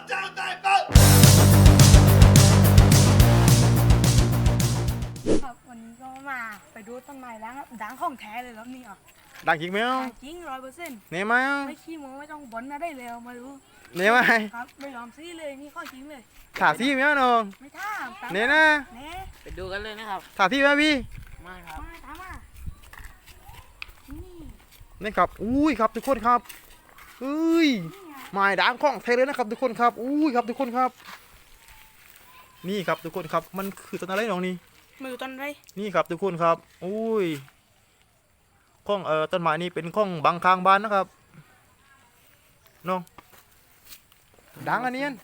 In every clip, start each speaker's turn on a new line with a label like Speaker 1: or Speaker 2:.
Speaker 1: ครับวันนี้ก็มาไปดูต้นไม้ล้างด่างของแท้เลยครับนี่อ่ะ
Speaker 2: ดังจริงไหมอ่ะ
Speaker 1: ด่างจริง100%
Speaker 2: เนี่ยไหมอ่ะ
Speaker 1: ไม่ขี้โม้ไม่ต้องบ่นนะได้เลยเอามาดู
Speaker 2: เนี่ยไหม
Speaker 1: ครับไม่ยอมซีเลยนี่ข้อจริงเลย
Speaker 2: ถาที่ไหมอ่ะน้อง
Speaker 1: ไม่ท่ามตาม
Speaker 2: เนี่ยนะ
Speaker 1: เน่
Speaker 3: ไปดูกันเลยนะครับ
Speaker 2: ถาที่ไหมพี่
Speaker 3: มาครับ
Speaker 1: มาตามมานี่
Speaker 2: นี่ครับอุ้ยครับทุกคนครับเอ้ย
Speaker 1: นี่ไง
Speaker 2: ไม้ด่างของแท้เลยนะครับทุกคนครับอุ้ยครับทุกคนครับ นี่ครับทุกคนครับมันคือต้นอะไรน้องนี่
Speaker 1: มือต้นไร
Speaker 2: นี่ครับทุกคนครับอุ้ยข้องต้นไม้นี่เป็นข้องบางคางบ้านนะครับน้องด่างอันเนี้ย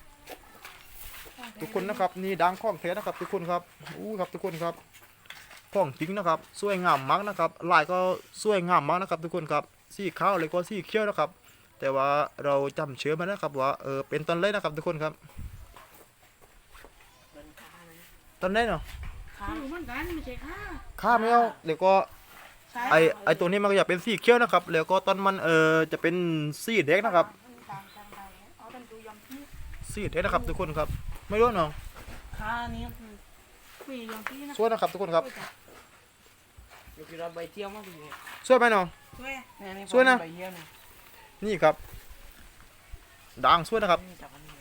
Speaker 2: ทุกคนนะครับนี่ด่างข้องแท้นะครับทุกคนครับอู้ครับทุกคนครับข้องจริงนะครับสวยงามมากนะครับลายก็สวยงามมากนะครับทุกคนครับสีขาวเลยก็สีเขียวนะครับ แต่ว่าเราจำเชื้อมานะครับว่าเป็นต้นเล็กนะครับทุกคนครับ
Speaker 3: เป็นข้าไหม
Speaker 2: ต้นเล็กเนาะ
Speaker 1: มือเหมือนกันไม่ใช่ค่ะ
Speaker 2: ข้าไม่เอาเดี๋ยวก็
Speaker 1: ใช่
Speaker 2: ไอตัวนี้มันก็จะเป็นสีเขียวนะครับแล้วก็ต้นมันจะเป็นสีแดงนะครับ
Speaker 1: ต่างกันไปเอาเป็นดูยอมพี่
Speaker 2: สีแดงนะครับทุกคนครับไม่รู้น้อง
Speaker 3: ข้านี้คือ
Speaker 1: มียอมพี่นะ
Speaker 2: สวยนะครับทุกคนครับ
Speaker 3: เดี๋ยวเราไปเที่ยวมาพี่เนี่ย
Speaker 2: สวยไหมน้อง
Speaker 1: ช่วย
Speaker 3: นี่
Speaker 2: สวยนะ
Speaker 3: ไปเที่ยวเนี่ย
Speaker 2: นี่ครับด่างสวยนะครับ
Speaker 3: นี่จับอันนี้